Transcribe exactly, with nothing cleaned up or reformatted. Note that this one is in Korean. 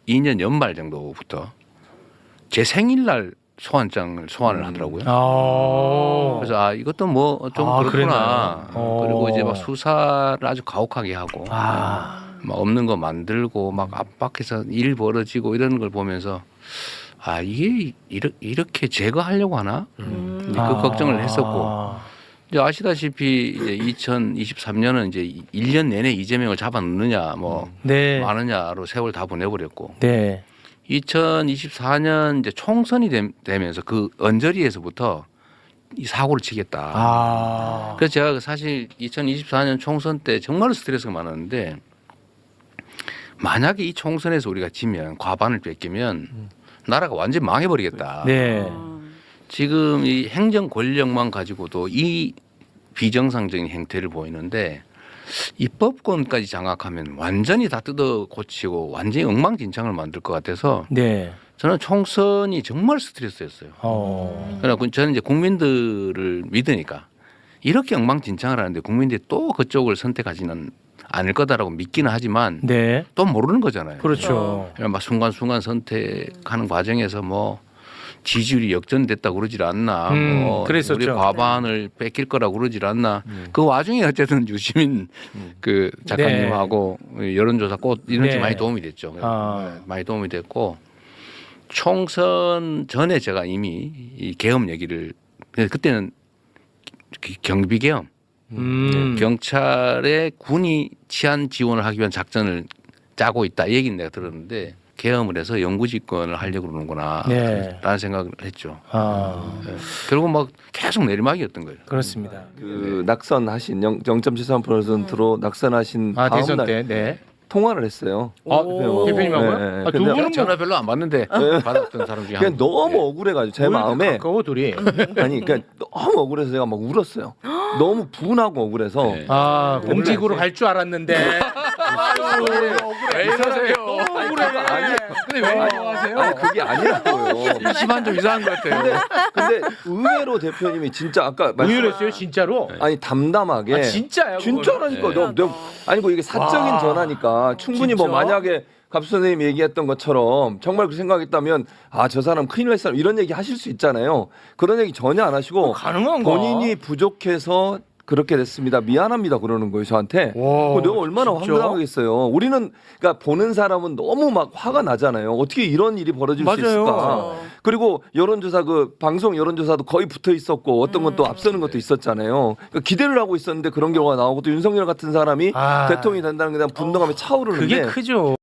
년 연말 정도부터 제 생일날 소환장을 소환을 하더라고요. 아. 그래서 아 이것도 뭐 좀 아, 그렇구나. 그랬나요? 그리고 이제 막 어. 수사를 아주 가혹하게 하고 아. 막 없는 거 만들고 막 압박해서 일 벌어지고 이런 걸 보면서 아 이게 이렇게, 이렇게 제거하려고 하나? 음. 이제 그 아. 걱정을 했었고 이제 아시다시피 이제 이천이십삼 년은 이제 일 년 내내 이재명을 잡아넣느냐 뭐 네. 많으냐로 세월 다 보내버렸고 네. 이천이십사 년 이제 총선이 됨- 되면서 그 언저리에서부터 이 사고를 치겠다. 아. 그래서 제가 사실 이천이십사 년 총선 때 정말 스트레스가 많았는데 만약에 이 총선에서 우리가 지면 과반을 뺏기면 나라가 완전히 망해버리겠다. 네. 지금 이 행정 권력만 가지고도 이 비정상적인 행태를 보이는데 입법권까지 장악하면 완전히 다 뜯어 고치고 완전히 엉망진창을 만들 것 같아서 네. 저는 총선이 정말 스트레스였어요. 어. 그러나 저는 이제 국민들을 믿으니까 이렇게 엉망진창을 하는데 국민들이 또 그쪽을 선택하지는 않을 거다라고 믿기는 하지만 네. 또 모르는 거잖아요. 그렇죠. 그러니까 막 순간순간 선택하는 과정에서 뭐 지지율이 역전됐다고 그러질 않나. 음, 뭐 그랬었죠. 우리 과반을 뺏길 거라고 그러질 않나. 그 와중에 어쨌든 유시민 그 작가님하고 여론조사 꽃 이런 게 네. 많이 도움이 됐죠. 아. 네, 많이 도움이 됐고 총선 전에 제가 이미 이 계엄 얘기를 그때는 경비 계엄 음. 경찰에 군이 치안 지원을 하기 위한 작전을 짜고 있다 이 얘기는 내가 들었는데 계엄을 해서 영구집권을 하려고 그러는구나 네. 라는 생각을 했죠. 아. 네. 결국 막 계속 내리막이었던 거예요. 그렇습니다. 그 낙선하신 영 점 칠삼 퍼센트로 낙선하신 아, 다음 대선 날 때. 네. 통화를 했어요. 아, 오. 대표님하고요? 네, 네. 아, 두 근데 분은 뭐 전화 별로 안 받는데 받았던 사람 중에 그냥 한 너무 분. 억울해가지고 제 마음에 가까워 둘이. 아니 그러니까 너무 억울해서 제가 막 울었어요. 너무 분하고 억울해서 네. 아, 공직으로 갈 줄 알았는데. 왜 이러세요? 아니 근데 왜 이러세요? 아니 그게 아니라고요. 시반 좀 이상한 것 같아요. 근데 의외로 대표님이 진짜 아까 말씀 의외였어요, 진짜로? 아니 담담하게 아, 진짜요? 진짜라니까 네. 너, 너 아니고 이게 사적인 와. 전화니까 충분히 뭐 진짜? 만약에 갑수 선생님이 얘기했던 것처럼 정말 그 생각했다면 아 저 사람 큰일 날 사람 이런 얘기 하실 수 있잖아요. 그런 얘기 전혀 안 하시고 가능한가? 본인이 부족해서 그렇게 됐습니다. 미안합니다. 그러는 거예요 저한테. 와, 그거 내가 얼마나 진짜? 황당하겠어요. 우리는 그러니까 보는 사람은 너무 막 화가 나잖아요. 어떻게 이런 일이 벌어질 맞아요. 수 있을까? 그리고 여론조사 그 방송 여론조사도 거의 붙어 있었고 어떤 건 또 앞서는 것도 있었잖아요. 그러니까 기대를 하고 있었는데 그런 경우가 나오고 또 윤석열 같은 사람이 아. 대통령이 된다는 게 대한 분노감이 차오르는데 그게 크죠.